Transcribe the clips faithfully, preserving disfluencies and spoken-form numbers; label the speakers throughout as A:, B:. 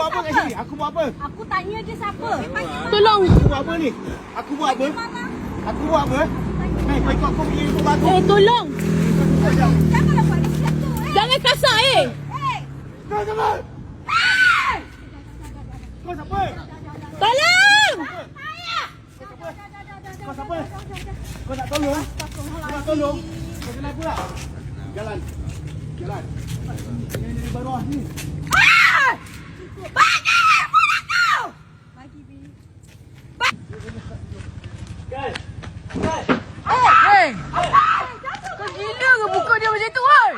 A: buat apa kat sini? Aku buat apa?
B: Aku tanya dia siapa.
C: Tolong.
A: Aku buat apa ni? Aku buat apa? Aku buat apa? Hei, kau ikut aku pergi untuk batu.
C: Eh, tolong.
B: Janganlah buat dia macam tu. Eh.
C: Jangan kasar eh.
B: Eh.
A: Kau siapa? Kau siapa?
C: Tolong.
A: Kau siapa? Kau nak tolong? Kau nak tolong? Kau kenapa pula? Jalan. Jalan. Ini dari bawah ni.
B: Ah! Bagi handphone aku! Bagi, Bi.
A: Guys. Guys.
C: Hei. Kau gila ke buka dia macam tu, oi?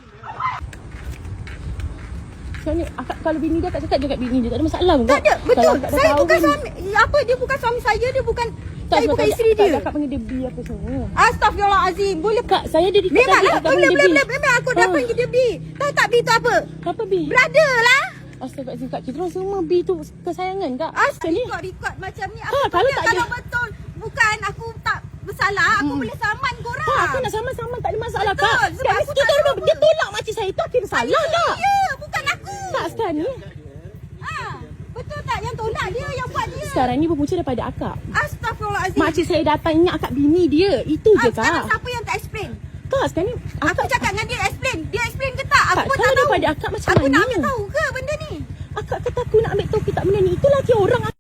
C: Sebenarnya akak kalau bini dia, akak cakap je kat bini dia, tak ada masalah pun.
B: Tak ada, betul.
C: Kalau akak dah
B: Saya
C: tahu
B: bukan
C: kan.
B: suami. Apa, dia bukan suami saya, dia bukan...
C: Tak,
B: Saya
C: sebab
B: bukan
C: tak-
B: isteri
C: tak-
B: dia.
C: Akak panggil dia B apa semua.
B: Astaghfirullahalazim. Boleh...
C: Kak, saya dia dekat
B: Memanglah,
C: akak
B: boleh,
C: panggil
B: boleh,
C: dia B.
B: boleh. Memang aku dah
C: Ah.
B: panggil dia B. Tahu tak B tu apa?
C: Apa B?
B: Brother lah.
C: Astagfirullahaladzim kak, kita orang semua B tu kesayangan kak.
B: Astaga,
C: Ni.
B: record-record macam ni.
C: Ha,
B: Aku
C: kalau
B: tanya
C: tak
B: kalau
C: ada-
B: betul bukan aku tak bersalah, aku
C: Hmm.
B: boleh saman korang.
C: Tak, aku nak sama-sama tak ada masalah
B: Betul,
C: kak.
B: sebab
C: Sekarang
B: aku
C: dia
B: tak
C: tolong,
B: tahu.
C: dia tolak makcik saya tu akhirnya salah tak?
B: Ya, bukan aku.
C: Tak sekarang ni.
B: Ha, betul tak yang tolak dia yang buat dia?
C: Sekarang ni berpunca daripada akak.
B: Astaghfirullahalazim.
C: Makcik saya datang ingat akak bini dia. Itu
B: Ah,
C: je
B: sekarang
C: kak.
B: siapa yang tak explain?
C: Kak, sekarang ni
B: Aku
C: akak
B: cakap dengan dia explain. Dia explain ke tak? Aku
C: Tak,
B: pun
C: kalau
B: tak tahu.
C: daripada akak macam
B: Aku nak
C: mana?
B: ambil tahu ke benda ni?
C: akak kata aku nak ambil tahu kita benda ni. Itu lagi orang